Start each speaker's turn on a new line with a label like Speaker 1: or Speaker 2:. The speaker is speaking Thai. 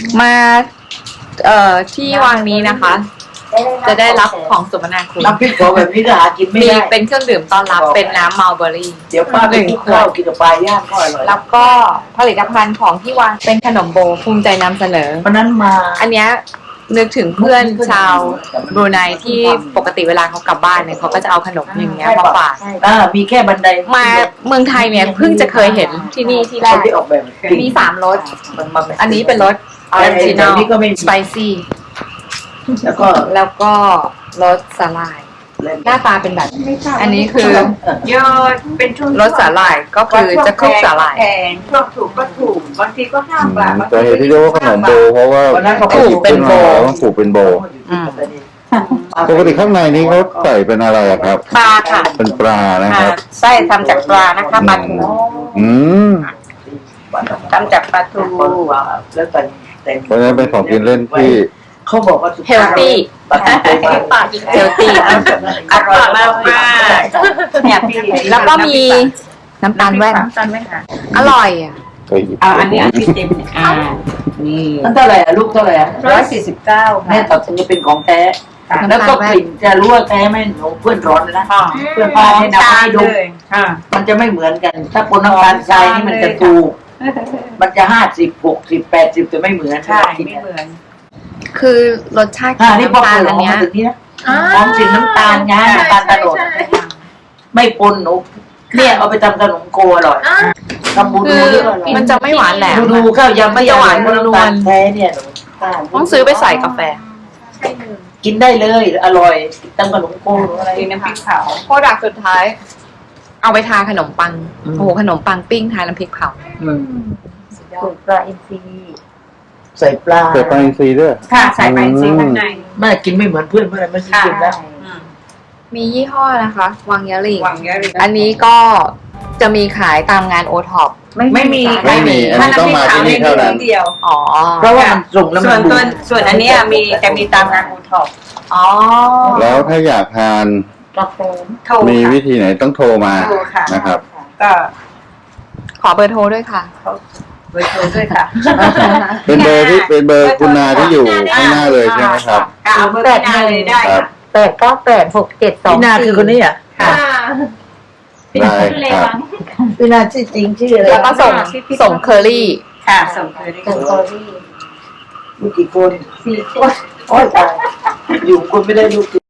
Speaker 1: มาที่วางนี้นะคะ จะได้รับของสมนาคุณ
Speaker 2: น้ำพริกเผาแบบนี้ก็หากินไม่
Speaker 1: มี
Speaker 2: ได้
Speaker 1: เป็นเครื่องดื่มต้อนรับเป็นน้ำมัลเบอรี่
Speaker 2: เดี๋ยวป้าไปกินข้าวกินกับปลาย่างก็อร่อย
Speaker 1: แล้วก็ผลิตภัณฑ์ของที่วางเป็นขนมโบภูมิใจนำเสนอ
Speaker 2: เพราะนั้นมา
Speaker 1: อันเนี้ยนึกถึงเพื่อนชาวบรูไนที่ปกติเวลาเขากลับบ้านเนี่ยเขาก็จะเอาขนมอย่างเงี้ยมาฝาก
Speaker 2: มีแค่บันได
Speaker 1: มาเมืองไทยเนี่ยเพิ่งจะเคยเห็นที่นี่ที่แร
Speaker 2: คน
Speaker 1: ก
Speaker 2: ที่ออกแบบ
Speaker 1: มี3 รส
Speaker 2: มัน
Speaker 1: อันนี้เป็นรสออริจินอล
Speaker 2: นี้ก็ไม่มี
Speaker 1: สไปซี่
Speaker 2: แล้วก็
Speaker 1: แล้วก็รสสาหร่าย หน้าตาเป็นแบบ อันนี้คือ
Speaker 3: ยอดเป็นช่วง
Speaker 1: รสสาหร่ายก็คือจะคลุกสาหร่าย
Speaker 3: แพงช่วงถูกก็ถูกบางทีก็5 บาท
Speaker 4: แต่เหตุที่เรียกว่าขนมโบเพราะว่า
Speaker 2: วันนั้นเขา
Speaker 1: ปลูกเป็นโบ
Speaker 4: ต้องปลูกเป็นโบ ปกติข้างในนี้เขาใส่เป็นอะไรอะครับ
Speaker 3: ปลาค่ะ
Speaker 4: เป็นปลานะครับ
Speaker 3: ไส้ทำจากปลานะคะปลาทู
Speaker 4: อืม
Speaker 3: ทำจากปลาทู
Speaker 2: แล้วแต่แต่
Speaker 4: เพราะฉะนั้นเป็นของกินเล่นที่
Speaker 2: เขาบอกว่า
Speaker 1: เฮลตี้
Speaker 2: ตัดสินใจมา
Speaker 1: เฮลตี้
Speaker 3: อร่อยมากมากเนี่ยพี่
Speaker 1: แล้วก็มีน้ำตาลแว่น
Speaker 3: น้ำตาลแว่นค่ะ
Speaker 1: อร่อยอ่ะ
Speaker 4: เคยหยิบ
Speaker 3: เอาอันนี้พี่เต็มเนี่ยนี่
Speaker 2: นั่นเท่าไหร่อะลูกเท่าไหร่อะ
Speaker 3: 149
Speaker 2: แม่
Speaker 3: ค่ะ
Speaker 2: ตัดสินจะเป็นของแท้ แล้วก็กลิ่นจะรู้ว่าแท้ไหมหนูเพื่อนร้อนเลยนะเพื่อนป้าให้นำให้ดู
Speaker 3: ค่ะ
Speaker 2: มันจะไม่เหมือนกัน ถ้าปนน้ำตาลทรายนี่มันจะถูก มันจะ50 60 80แต่ไม่เหมือน
Speaker 3: ใช่ไม่เหมือน
Speaker 1: คือรสชาติของ
Speaker 2: นี่พอ
Speaker 1: น้ำตาล
Speaker 2: เปิดอ
Speaker 1: อั
Speaker 2: อน ก
Speaker 1: เนี้
Speaker 2: มาย ถึงนี้นะหอมกลิ่นน้ำตาลงาน้ำตาลตะโนดไม่ปนหนูเนี่ยเอาไปทำขนมโกอร่อยทำบู
Speaker 1: คื
Speaker 2: ดู
Speaker 1: อ
Speaker 2: นี่ก็อร่อย
Speaker 1: มันจะไม่หวานแหลม
Speaker 2: บูดูข้าวยำ
Speaker 1: มันจะหวาน
Speaker 2: ไม่
Speaker 1: นวล
Speaker 2: น้ำตาลแท้เนี่ยหนู
Speaker 1: ต้องซื้อไปใส่กาแฟ
Speaker 2: กินได้เลยอร่อยทำขนมโกหรืออะไร
Speaker 3: มีน้ำพริกเผา
Speaker 1: โปรดักต์สุดท้าย เอาไปทาขนมปัง โอ้โหขนมปังปิ้งทาน้ำพริกเผา
Speaker 3: สูตรปลาอินทรี
Speaker 2: ใส่ปลา
Speaker 4: เปิดปลาอินทรีย์ด้วย
Speaker 3: ค่ะใส่ปลาอินทรีข้างใน
Speaker 2: แม่กินไม่เหมือนเพื่อนไม่ใช่กินแล้ว
Speaker 1: มียี่ห้อนะคะ วังยะหลิง
Speaker 3: หวังเยอะเลย
Speaker 1: อันนี้ก็จะมีขายตามงานโอท็อป
Speaker 3: ไม่มี
Speaker 4: ไม่มี อันนี้ต้องมาที่นี่เท่านั้น
Speaker 3: เดียว
Speaker 1: อ๋อ
Speaker 2: เพราะว่ามันส่งแล้ว
Speaker 3: ส่
Speaker 2: มั
Speaker 3: วน
Speaker 2: น
Speaker 3: ตัวส่วนอันเนี้ยมีจะมีตามงานอูท็อป
Speaker 1: อ๋อ
Speaker 4: แล้วถ้าอยากทาน
Speaker 3: กาแฟโทร
Speaker 4: มีวิ
Speaker 3: ค่ะ
Speaker 4: ธีไหนต้องโทรมา
Speaker 3: โทรค่ะ
Speaker 4: นะครับ
Speaker 3: ก็
Speaker 1: ขอเบอร์โทรด้วยค่ะ
Speaker 3: เบอร์โทรด้วยค่ะ
Speaker 4: เป็นเบอร์ที่เป็นเบอร์คุณนาที่อยู่ข้างหน้าเลยใช่ไหมครับ
Speaker 3: เอาเบอร์พี่นาเลยได้
Speaker 4: ครั
Speaker 3: ค่ะ
Speaker 4: บ
Speaker 2: พี่นาคือคนนี้อ่ะ
Speaker 3: ค่ะ
Speaker 4: ได้ครับ
Speaker 2: พี่นาชื่อจริงชื่ออะไร
Speaker 1: แล้วก็ส่งเคอรี่
Speaker 3: ค่ะส่งเคอรี่
Speaker 2: ลูกกี่คน
Speaker 3: 4 คน
Speaker 2: โอ้ยตายอยู่คนไม่ได้ลูก